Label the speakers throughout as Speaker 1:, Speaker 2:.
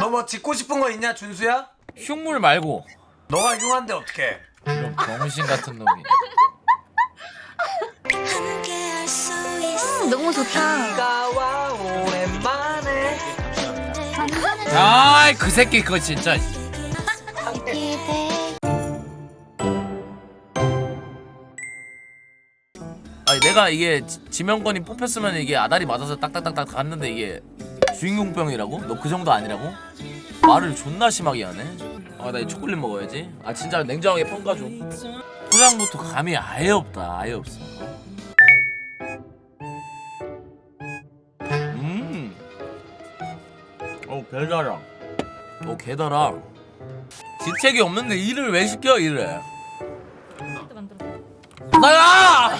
Speaker 1: 너 뭐 짓고 싶은 거 있냐 준수야?
Speaker 2: 흉물 말고.
Speaker 1: 너가 흉한데 어떡해?
Speaker 2: 이런 병신 같은 놈이.
Speaker 3: 너무 좋다.
Speaker 1: 와 오랜만에.
Speaker 2: 아이 그 새끼 그거 진짜. 아니 내가 이게 지명권이 뽑혔으면 이게 아다리 맞아서 딱딱딱딱 갔는데 이게 주인공병이라고? 너 그 정도 아니라고? 말을 존나 심하게 하네. 아 나 이 초콜릿 먹어야지. 아 진짜 냉정하게 평가 좀. 포장부터 감이 아예 없다. 아예 없어. 개달아. 개달아. 지책이 없는데 일을 왜 시켜 일을? 나야!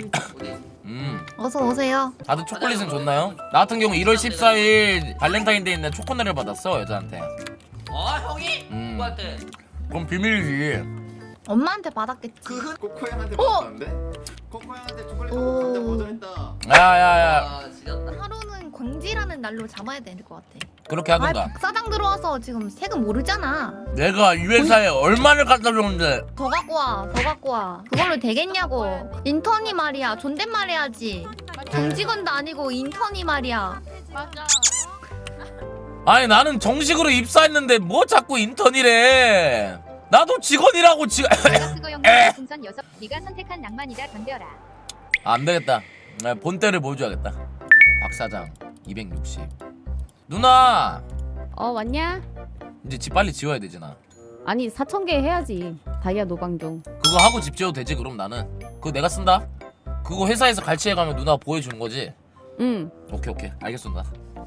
Speaker 3: 어서 오세요.
Speaker 2: 다들 초콜릿은 줬나요? 나 같은 경우 1월 14일 발렌타인데이 날 초코네를 받았어 여자한테.
Speaker 4: 형이? 누구한테?
Speaker 2: 그럼 비밀이지.
Speaker 3: 엄마한테 받았겠지.
Speaker 5: 코코양한테 받았는데? 코코양한테 초콜릿 한잔 거절했다.
Speaker 2: 야야야
Speaker 4: 지렸다.
Speaker 3: 하루는 광지라는 날로 잡아야 될 것 같아.
Speaker 2: 그렇게
Speaker 3: 아,
Speaker 2: 하던가.
Speaker 3: 박 사장 들어와서 지금 세금 모르잖아.
Speaker 2: 내가 이 회사에 얼마를 갖다 줬는데.
Speaker 3: 더 갖고 와, 더 갖고 와. 그걸로 되겠냐고. 인턴이 말이야. 존댓말 해야지. 정직원도 아니고 인턴이 말이야.
Speaker 6: 맞아.
Speaker 2: 아니 나는 정식으로 입사했는데 뭐 자꾸 인턴이래. 나도 직원이라고 지금.
Speaker 7: 내가 그거 영상 풍선 6. 네가 선택한 낭만이다 덤벼라.
Speaker 2: 안 되겠다. 본때를 보여줘야겠다. 박 사장 260. 누나
Speaker 8: 왔냐?
Speaker 2: 이제 집 빨리 지워야 되잖아.
Speaker 8: 아니 4,000개 해야지. 다이아 노방종.
Speaker 2: 그거 하고 집 지어도 되지. 그럼 나는 그거 내가 쓴다. 그거 회사에서 갈취해가면 누나 보여주는 거지.
Speaker 8: 응.
Speaker 2: 오케이 알겠습니다.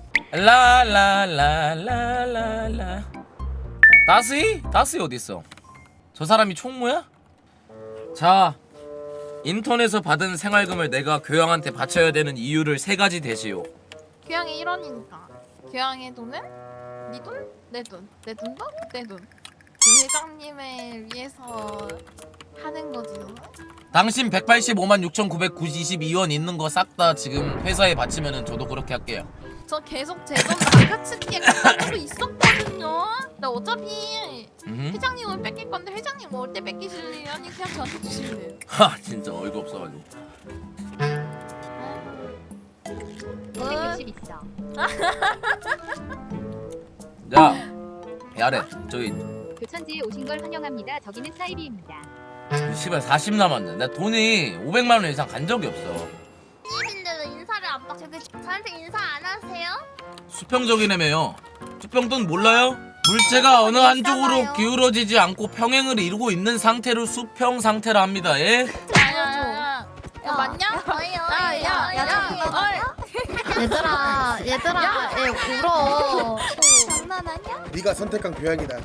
Speaker 2: 라라라라라라. 다스이 어디 있어? 저 사람이 총무야? 자, 인턴에서 받은 생활금을 내가 교양한테 바쳐야 되는 이유를 3가지 대시오.
Speaker 6: 교양이 1원이니까. 교양의 돈은 네 돈, 내 돈, 내 돈도 내 돈. 그 회장님을 위해서 하는 거지.
Speaker 2: 당신 185만 6,922원 있는 거 싹 다 지금 회사에 바치면은 저도 그렇게 할게요.
Speaker 6: 저 계속 제 돈 나가츠기에 가까이로 있었거든요. 나 어차피 회장님은 뺏길 건데 회장님 올 때 뺏기실래요? 아니 그냥 저한테 주실래요?
Speaker 2: 하 진짜 어이가 없어가지고.
Speaker 7: 260 있어.
Speaker 2: 야 야래 저기
Speaker 7: 교천지에 오신 걸 환영합니다. 저기는 사이비입니다.
Speaker 2: 씨발 40 남았네. 나 돈이 500만 원 이상 간 적이 없어.
Speaker 6: 님인데도 인사를 안 받고 저한테 인사 안 하세요?
Speaker 2: 수평적이라며요. 수평돈 몰라요? 물체가 어느 한쪽으로 기울어지지 않고 평행을 이루고 있는 상태를 수평 상태라 합니다. 예?
Speaker 6: 야 맞냐? 야야야야
Speaker 3: 얘들아, 얘 울어.
Speaker 6: 장난하냐?
Speaker 5: 네가 선택한 교양이다.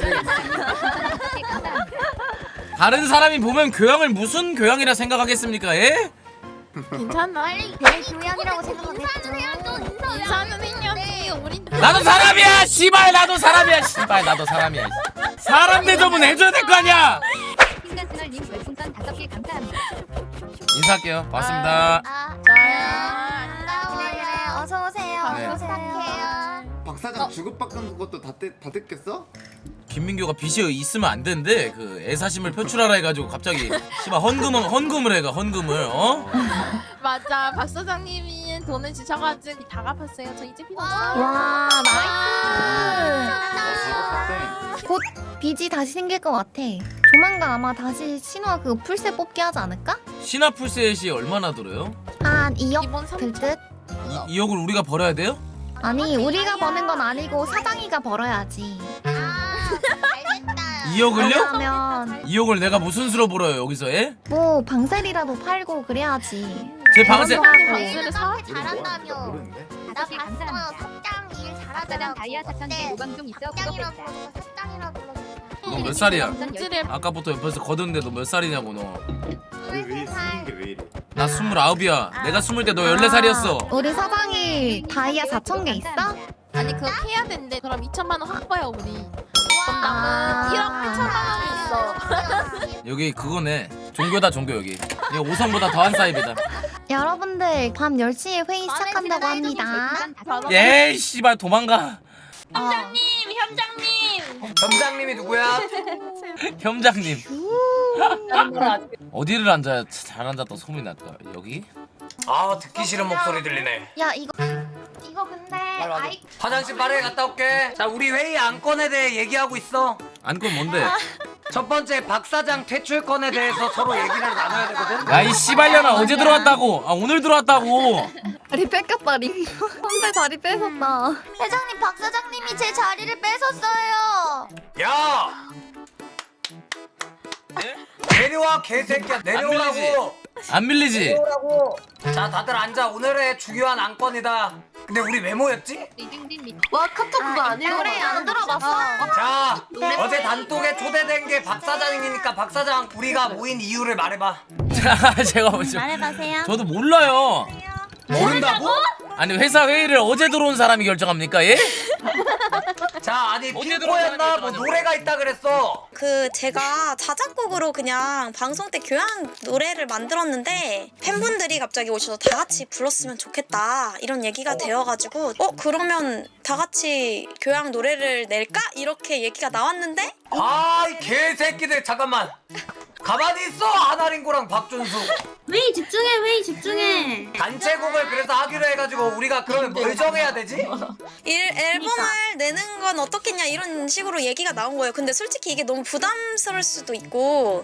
Speaker 2: 다른 사람이 보면 교양을 무슨 교양이라 생각하겠습니까? 예?
Speaker 6: 괜찮아.
Speaker 3: 내 교양이라고 생각하겠죠.
Speaker 6: 인사는 해야지. 우리
Speaker 2: 나도 사람이야. 씨발 나도 사람이야. 씨발 나도 사람이야. 사람 대접은 해줘야 될 거 아니야.
Speaker 7: 핑가스널님 별풍선 5개 감사합니다.
Speaker 2: 인사할게요. 반갑습니다.
Speaker 6: 반가워요.
Speaker 3: 어서 오세요.
Speaker 2: 네.
Speaker 3: 어서 오세요.
Speaker 5: 박 사장 주급받은 것도 다 뜯겼어?
Speaker 2: 김민규가 빚이 있으면 안 되는데 그 애사심을 표출하라 해가지고 갑자기 씨발 헌금을 해가 헌금을
Speaker 6: 맞아. 박 사장님이 돈을 주셔가지고 다 갚았어요. 저 이제 필요 없어요.
Speaker 3: 와,
Speaker 5: 아,
Speaker 3: 나이스. 곧 빚이 다시 생길 것 같아. 조만간 아마 다시 신화 그 풀세 뽑기 하지 않을까?
Speaker 2: 신화풀셋이 얼마나 들어요?
Speaker 3: 한 2억
Speaker 6: 기본
Speaker 3: 들
Speaker 6: 3천.
Speaker 3: 듯?
Speaker 2: 2억을 우리가 벌어야 돼요?
Speaker 3: 아니, 우리가 버는 건 아니고 사장이가 벌어야지.
Speaker 2: 2억을요?
Speaker 3: 그러면
Speaker 2: 2억을 내가 무슨 수로 벌어요 여기서 예?
Speaker 3: 뭐 방셀이라도 팔고 그래야지.
Speaker 2: 제 방세
Speaker 6: 방수를 사?
Speaker 5: 잘한다며. 모르는데?
Speaker 7: 5개 감사합니다. 박 사장 다이아 4,000개 노방종 있어 그거 뺐다.
Speaker 2: 너 몇 살이야?
Speaker 6: 공지를
Speaker 2: 아까부터 옆에서 거드는데 너 몇 살이냐고 너.
Speaker 5: 왜 쓰는 게 왜 이래?
Speaker 2: 나 29이야. 내가 20때 너 14살이었어.
Speaker 3: 우리 사장이 다이아 4,000개 있어?
Speaker 6: 아니 그거 해야 된대. 그럼 2천만 원 확보야 우리. 그럼
Speaker 3: 아.
Speaker 6: 남은 1억 8천만 원이 있어.
Speaker 2: 여기 그거네. 종교다 종교 여기. 이거 5성보다 더한 사입이다.
Speaker 3: 여러분들 밤 10시에 회의 시작한다고 합니다.
Speaker 2: 예이 씨발 도망가.
Speaker 6: 팀장님
Speaker 7: 겸장님.
Speaker 1: 점장님이 누구야?
Speaker 2: 겸장님. 어디를 앉아야 잘 앉았다 소문이 날까? 여기?
Speaker 1: 아 듣기 싫은 목소리 들리네.
Speaker 3: 야 이거 근데 아이
Speaker 1: 화장실 빠르게 갔다 올게. 자 우리 회의 안건에 대해 얘기하고 있어.
Speaker 2: 안건 뭔데?
Speaker 1: 첫 번째 박 사장 퇴출건에 대해서 서로 얘기를 나눠야 되거든.
Speaker 2: 야 이 씨발년아 어제 들어왔다고. 아 오늘 들어왔다고.
Speaker 3: 다리 뺏겼다 링. 선배 다리 뺏었다.
Speaker 7: 회장님, 박 사장님이 제 자리를 뺏었어요.
Speaker 1: 야 내려와 개새끼야 내려오라고.
Speaker 2: 안 밀리지?
Speaker 1: 내려오라고. 자 다들 앉아. 오늘의 중요한 안건이다. 근데 우리 왜 모였지?
Speaker 3: 와 카톡 그거 아니야? 노래 안 들어봤어?
Speaker 1: 자 어제 단톡에 초대된 게 박 사장이니까 박 사장 우리가 모인 이유를 말해봐.
Speaker 2: 제가 먼저.
Speaker 7: 말해보세요.
Speaker 2: 저도 몰라요.
Speaker 1: 모른다고?
Speaker 2: 아니 회사 회의를 어제 들어온 사람이 결정합니까? 예?
Speaker 1: 자 아니
Speaker 2: 어디에
Speaker 1: 핑코였나
Speaker 2: 들어가는
Speaker 1: 뭐
Speaker 2: 거죠?
Speaker 1: 노래가 있다 그랬어.
Speaker 9: 그 제가 자작곡으로 그냥 방송 때 교양 노래를 만들었는데 팬분들이 갑자기 오셔서 다 같이 불렀으면 좋겠다 이런 얘기가 되어가지고 그러면 다 같이 교양 노래를 낼까? 이렇게 얘기가 나왔는데
Speaker 1: 아이 개새끼들 잠깐만 가만히 있어. 하나링고랑 박준수
Speaker 7: 회의 집중해.
Speaker 1: 단체곡을 그래서 하기로 해가지고 우리가 그러면 뭘 정해야 되지?
Speaker 9: 앨범을 내는 건 어떻겠냐 이런 식으로 얘기가 나온 거예요. 근데 솔직히 이게 너무 부담스러울 수도 있고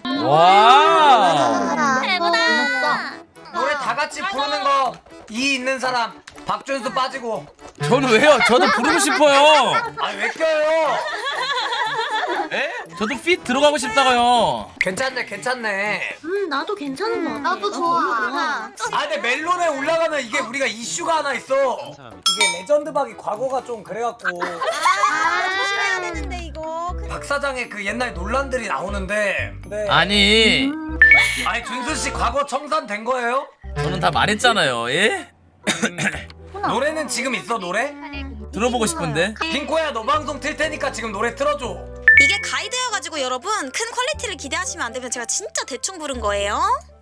Speaker 2: 와.
Speaker 7: 대보다.
Speaker 1: 노래 다 같이 부르는 거 이 있는 사람 박준수 빠지고.
Speaker 2: 저는 왜요? 저도 부르고 싶어요.
Speaker 1: 아니 왜 껴요?
Speaker 2: 에? 저도 핏 들어가고 싶다고요.
Speaker 1: 괜찮네.
Speaker 7: 나도 괜찮은 거 같아. 나도 좋아.
Speaker 1: 아 근데 멜론에 올라가면 이게 우리가 이슈가 하나 있어. 이게 레전드박이 과거가 좀 그래갖고
Speaker 9: 조심해야 되는데 이거
Speaker 1: 박 사장의 그 옛날 논란들이 나오는데. 네.
Speaker 2: 아니
Speaker 1: 아니 준수 씨 과거 청산된 거예요?
Speaker 2: 저는 다 말했잖아요. 예?
Speaker 1: 노래는 지금 있어 노래?
Speaker 2: 들어보고 싶은데.
Speaker 1: 핑코야 너 방송 틀 테니까 지금 노래 틀어줘.
Speaker 9: 이게 가이드여가지고 여러분 큰 퀄리티를 기대하시면 안 되면 제가 진짜 대충 부른 거예요.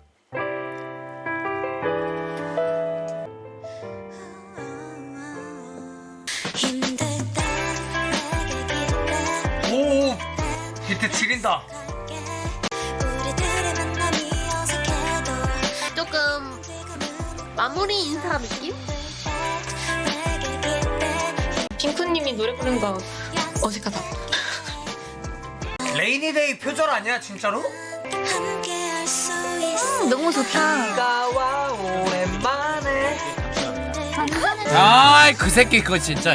Speaker 1: 오 비트 지린다.
Speaker 7: 조금 마무리 인사 느낌?
Speaker 6: 핑크님이 노래 부르는 거 어색하다.
Speaker 1: 레이니데이 표절 아니야 진짜로?
Speaker 3: 너무 좋다.
Speaker 1: 비가 와 오랜만에.
Speaker 2: 아이 그 새끼 그거 진짜.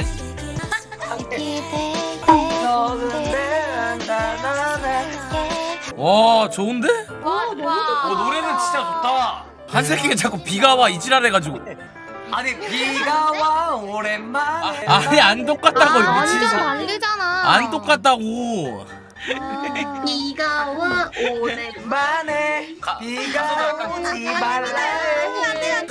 Speaker 2: 와 좋은데?
Speaker 1: 노래는 진짜 좋다.
Speaker 2: 한 새끼가 자꾸 비가 와 이지랄 해가지고.
Speaker 1: 아니 비가 와 오랜만에.
Speaker 2: 아니 안 똑같다고 미친
Speaker 3: 완전
Speaker 2: 새끼.
Speaker 3: 다르잖아.
Speaker 2: 안 똑같다고.
Speaker 7: 비가 와
Speaker 1: 만에 비가 오지 말래.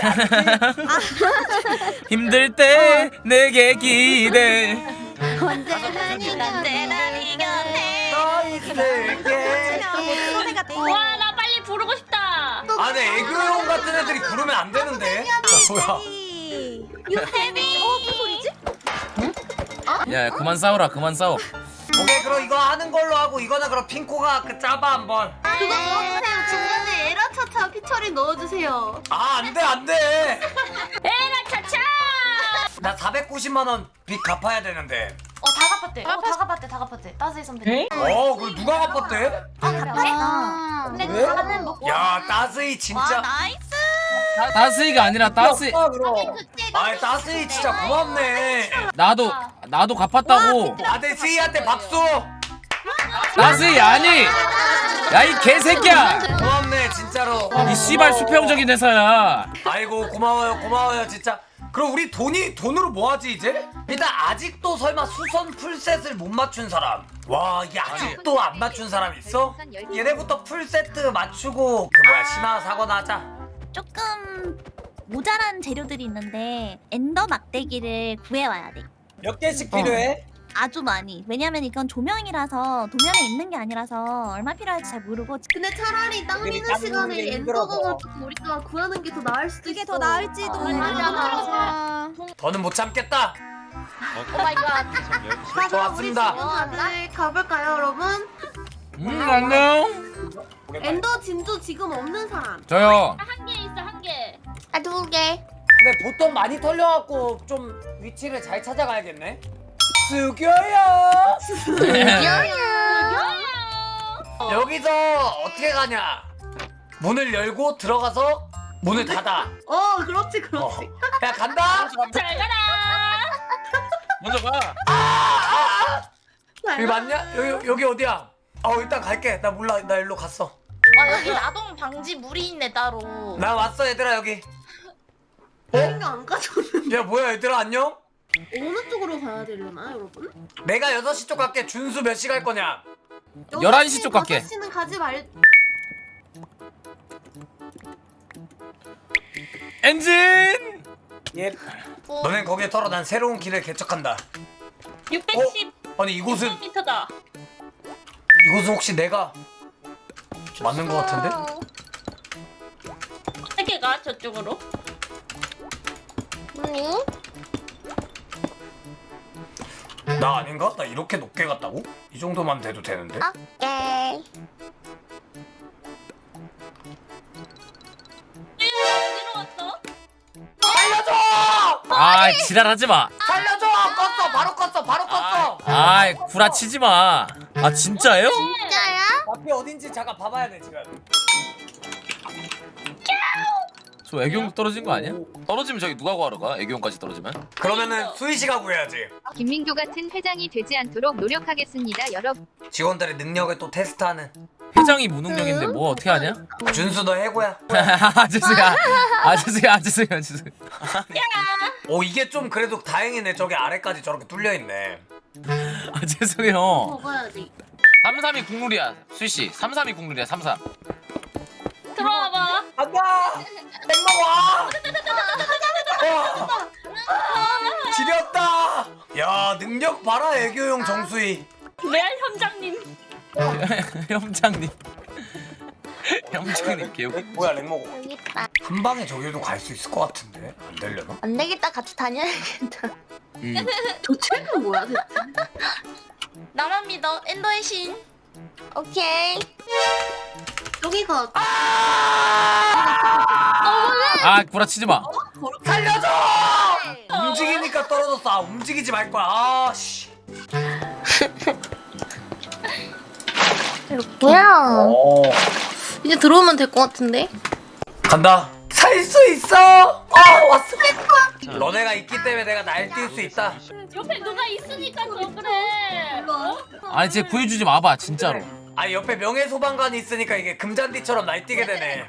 Speaker 2: 힘들 때 내게 기대.
Speaker 7: 언제나 네 곁에
Speaker 1: 서 있을게.
Speaker 7: 와, 나 빨리 부르고 싶다.
Speaker 1: 아니 애교용 같은 애들이 부르면 안 되는데. 뭐야?
Speaker 7: 유태비. 무슨 소리지?
Speaker 2: 야 그만 싸워라 그만 싸워.
Speaker 1: 오케이 그럼 이거 하는 걸로 하고 이거는 그럼 핑코가 그 짜봐 한번.
Speaker 7: 그거 넣어주세요. 중간에 에라차차 피처링 넣어주세요.
Speaker 1: 아 안돼.
Speaker 7: 에라차차.
Speaker 1: 나 490만 원 빚 갚아야 되는데.
Speaker 7: 다 갚았대. 따스히 선배.
Speaker 1: 그걸 누가 갚았대?
Speaker 7: 근데
Speaker 1: 왜?
Speaker 7: 나는 먹고.
Speaker 1: 야 따스이 진짜.
Speaker 7: 나이스.
Speaker 2: 따스이가 아니라 따스이.
Speaker 1: 아이 따스이 진짜 고맙네.
Speaker 2: 나도 갚았다고.
Speaker 1: 아들 스이한테 박수.
Speaker 2: 따스이 아니. 야 이 개새끼야.
Speaker 1: 고맙네 진짜로.
Speaker 2: 이 씨발 수평적인 회사야.
Speaker 1: 아이고 고마워요 진짜. 그럼 우리 돈으로 뭐 하지 이제? 일단 아직도 설마 수선 풀셋을 못 맞춘 사람. 와 이게 아직도 안 맞춘 사람 있어? 얘네부터 풀세트 맞추고 그 뭐야 신화 사거나 하자.
Speaker 7: 조금 모자란 재료들이 있는데 엔더 막대기를 구해와야 돼.
Speaker 1: 몇 개씩 필요해?
Speaker 7: 아주 많이. 왜냐면 이건 조명이라서 도면에 있는 게 아니라서 얼마 필요할지 잘 모르고.
Speaker 10: 근데 차라리 땅 미는 시간에 엔더공을 조금 우리가 구하는 게 더 나을 수도 있어.
Speaker 9: 그게 더 나을지도.
Speaker 1: 더는 못 참겠다.
Speaker 10: 오 마이 갓.
Speaker 1: 저 왔습니다.
Speaker 10: 다들 가볼까요, 여러분?
Speaker 2: 안녕.
Speaker 10: 엔더 진주 지금 없는 사람.
Speaker 2: 저요.
Speaker 10: 한 개 있어, 한 개. 아, 2개.
Speaker 1: 근데 보통 많이 털려갖고 좀 위치를 잘 찾아가야겠네. 수교야. 여기서 어떻게 가냐? 문을 열고 들어가서 문을 닫아.
Speaker 10: 그렇지, 그렇지.
Speaker 1: 야 간다.
Speaker 10: 잘 가라.
Speaker 2: 먼저 가.
Speaker 1: 여기 맞냐? 여기 어디야? 일단 갈게. 나 몰라. 나 일로 갔어.
Speaker 10: 여기 나동 방지 물이 있네 따로.
Speaker 1: 나 왔어 얘들아 여기.
Speaker 10: 이거 안 가져오는.
Speaker 1: 야 뭐야 얘들아 안녕?
Speaker 10: 어느 쪽으로 가야 되려나, 여러분?
Speaker 1: 내가 6시 쪽 갈게. 준수 몇 시 갈 거냐?
Speaker 2: 11시 쪽 갈게.
Speaker 10: 6시는 가지 말.
Speaker 2: 엔진.
Speaker 1: 예. 너넨 거기에 털어. 난 새로운 길을 개척한다.
Speaker 10: 610m다.
Speaker 1: 아니 이곳은 혹시 내가 맞는 거 같은데?
Speaker 10: 어떻게 가 저쪽으로?
Speaker 1: 나 아닌가? 나 이렇게 높게 갔다고? 이 정도만 돼도 되는데?
Speaker 10: 오케이. 어디로 갔어?
Speaker 1: 살려줘!
Speaker 2: 아 지랄하지 마.
Speaker 1: 살려줘! 껐어! 바로 껐어! 바로 껐어!
Speaker 2: 아이 구라치지 마. 아 진짜예요?
Speaker 10: 진짜야?
Speaker 1: 앞이 어딘지 잠깐 봐봐야 돼 지금.
Speaker 2: 저 애교용 떨어진 거 아니야? 떨어지면 저기 누가 구하러 가? 애교용까지 떨어지면?
Speaker 1: 그러면은 수희 씨가 구해야지.
Speaker 11: 김민교 같은 회장이 되지 않도록 노력하겠습니다, 여러분.
Speaker 1: 직원들의 능력을 또 테스트하는.
Speaker 2: 회장이 무능력인데 뭐 어떻게 하냐?
Speaker 1: 준수 너 해고야.
Speaker 2: 죄송해요.
Speaker 1: 이게 좀 그래도 다행이네. 저기 아래까지 저렇게 뚫려 있네.
Speaker 2: 죄송해요.
Speaker 10: 먹어야지.
Speaker 2: 332 국룰이야 수희씨. 332 국룰이야 33.
Speaker 10: 들어와봐.
Speaker 1: 간다! 땡먹어! 지렸다! 야 능력 봐라 애교용 정수희.
Speaker 10: 레알 현장님.
Speaker 2: 형장님. 형장님 개웃.
Speaker 1: 뭐야 렉먹어.
Speaker 10: 여기 있다.
Speaker 1: 한 방에 저기도 갈 수 있을 것 같은데 안 되려나?
Speaker 10: 안 되겠다. 같이 다녀야겠다.
Speaker 3: 도체는 뭐야 대체?
Speaker 10: 나만 믿어. 엔더의 신. 오케이.
Speaker 3: 여기가
Speaker 2: 아 구라치지 마.
Speaker 1: 살려줘! 움직이니까 떨어졌어. 움직이지 말 거야. 씨.
Speaker 10: 뭐야? 이제 들어오면 될 것 같은데?
Speaker 1: 간다. 살 수 있어. 왔어. 너네가 있기 때문에 내가 날뛸 수 있다.
Speaker 10: 옆에 누가 있으니까 더 그래.
Speaker 2: 아니 쟤 구해주지 마봐 진짜로.
Speaker 1: 아 옆에 명예소방관이 있으니까 이게 금잔디처럼 날뛰게 되네.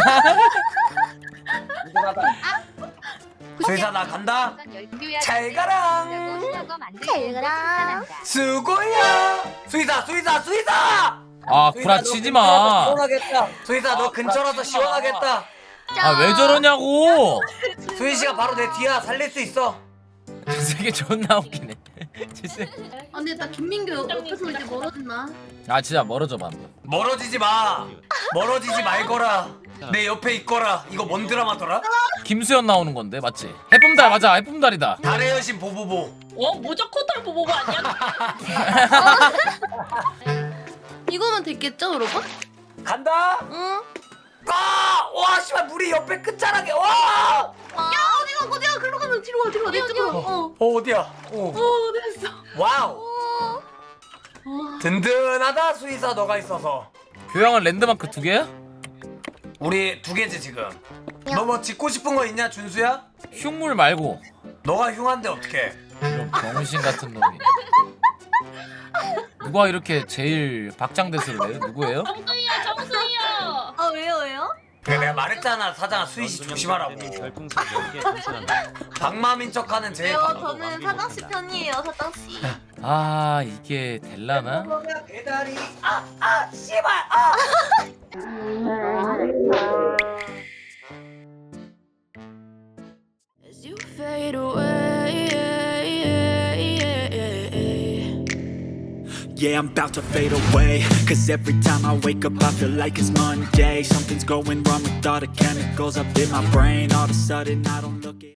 Speaker 1: 수의사 나 간다. 잘 가랑.
Speaker 10: 잘 가라.
Speaker 1: 수고야. 수의사.
Speaker 2: 아 구라치지 마.
Speaker 1: 시원하겠다. 수의사 너 근처라서 시원하겠다.
Speaker 2: 아 왜 저러냐고.
Speaker 1: 수희 씨가 바로 내 뒤야. 살릴 수 있어.
Speaker 2: 저 새끼 존나 웃기네.
Speaker 3: 근데 나 김민교 옆에서 이제 멀어졌나?
Speaker 2: 아 진짜 멀어져 봐.
Speaker 1: 멀어지지 마. 멀어지지 말거라. 내 옆에 있거라. 이거 뭔 드라마더라?
Speaker 2: 김수현 나오는 건데 맞지? 해품달 맞아. 해품달이다.
Speaker 1: 달의 여신 보보보.
Speaker 10: 모적 코털 보보보 아니야?
Speaker 3: 이거면 됐겠죠 여러분?
Speaker 1: 간다.
Speaker 10: 응.
Speaker 1: 와 씨발 물이 옆에 끝자락에. 와.
Speaker 3: 어디가 글로 가면 뒤로 와 내 쪽으로.
Speaker 1: 어디야?
Speaker 3: 됐어.
Speaker 1: 와우. 든든하다 수의사 너가 있어서.
Speaker 2: 교양은 랜드마크 2개야?
Speaker 1: 우리 2개지 지금. 너 뭐 짓고 싶은 거 있냐 준수야?
Speaker 2: 흉물 말고.
Speaker 1: 너가 흉한데 어떡해?
Speaker 2: 이런 병신 같은 놈이. 누가 이렇게 제일 박장대소를 해? 누구예요?
Speaker 10: 정수이요.
Speaker 3: 왜요?
Speaker 1: 그래 내가 말했잖아 사장아 수희씨 조심하라고. 방마민 척하는 제일.
Speaker 3: 저는 사장씨 편이에요 사장씨.
Speaker 2: 아 이게 될라나?
Speaker 1: 배달이 씨발
Speaker 11: As you fade away,
Speaker 12: Yeah, I'm about to fade away. Cause every time I wake up I feel like it's Monday. Something's going wrong with all the chemicals up in my brain. All of a sudden I don't look it